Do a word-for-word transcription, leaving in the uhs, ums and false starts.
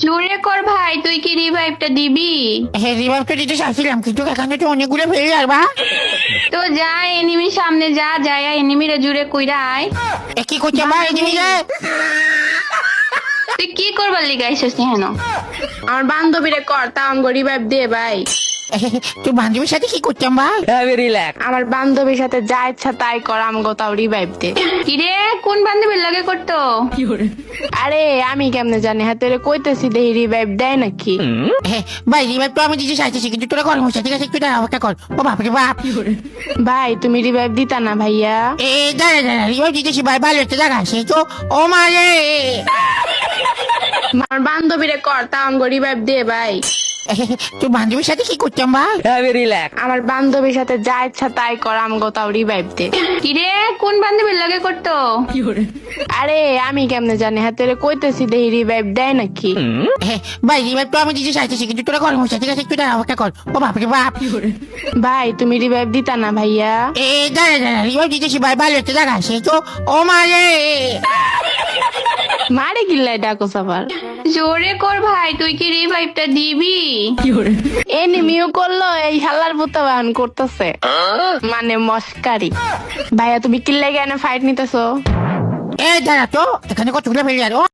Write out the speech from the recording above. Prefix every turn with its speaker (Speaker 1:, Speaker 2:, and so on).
Speaker 1: জোরে কর ভাই, তুই কি রিভাইভটা দিবি?
Speaker 2: হ্যাঁ রিভাইভটা দিতে চাইছিলাম, কিন্তু এখানে তো অনেকগুলো ফেলে যাবা।
Speaker 1: তো যা এনিমির সামনে যা, যায় এনিমিরে জুড়ে কইরা আয়।
Speaker 2: এ কি করছে ভাই তুমি যে?
Speaker 1: তুই কি করবার লিগা আইছিস হেন?
Speaker 3: আমার বান্ধবীরে কর তা আমগো রিভাইভ দিয়ে ভাই।
Speaker 2: তুই বান্ধবীর সাথে কি করতাম ভাই?
Speaker 3: আমার বান্ধবীর সাথে যা ইচ্ছা তাই কর, আমগো তাও রিভাইভ দে।
Speaker 1: কিরে কোন বান্ধবীর লাগে করতো?
Speaker 3: আরে আমি কেমনে জানি, হ্যাঁ তোরে কইতেছি দেহি রিভাইভ দেয় নাকি।
Speaker 2: হ্যাঁ ভাই রিভাইভ তো আমি দিতে চাইতেছি, কিন্তু তোরা কর হচ্ছে, ঠিক আছে একটু দাঁড়া, অপেক্ষা কর। ও বাপরে বাপ,
Speaker 3: ভাই তুমি রিভাইভ দিতা না ভাইয়া?
Speaker 2: এ দাঁড়া দাঁড়া, রিভাইভ দিতেছি ভাই, ভালো একটা জায়গা আছে তো। ও মারে,
Speaker 3: আমার বান্ধবীরে কর তা আমগো রিভাইভ দে ভাই।
Speaker 2: তুই বান্ধবীর সাথে কি করতাম ভাই?
Speaker 3: আমার বান্ধবীর সাথে যা ইচ্ছা তাই কর, আমগো তাও রিভাইভ দে।
Speaker 1: কিরে কোন বান্ধবীর লাগে করতো?
Speaker 3: আরে আমি কেমনে জানি, হ্যাঁ তোরে কইতেছি দেহি রিভাইভ দেয় নাকি।
Speaker 2: হ্যাঁ ভাই রিভাইভ তো আমি দিতে চাইতেছি, কিন্তু তোরা কর হচ্ছে, ঠিক আছে একটু দাঁড়া, অপেক্ষা কর। ও বাপরে বাপ,
Speaker 3: ভাই তুমি রিভাইভ দিতা না ভাইয়া?
Speaker 2: এ দাঁড়া দাঁড়া, রিভাইভ দিতেছি ভাই, ভালো একটা জায়গা আছে তো। ও মারে,
Speaker 3: মারে গিল্লাই ডাকোস আবার।
Speaker 1: জোরে কর ভাই, তুই কি রিভাইভটা দিবি?
Speaker 3: এনিমিও করলো, এই হাল্লার পুতা বাহন করতেছে, মানে মস্কারি। ভাইয়া তুমি কিল্লাই কেন ফাইট নিতেছো?
Speaker 2: এ দাঁড়া তো, এখানে কতগুলো ফেলে যাবে।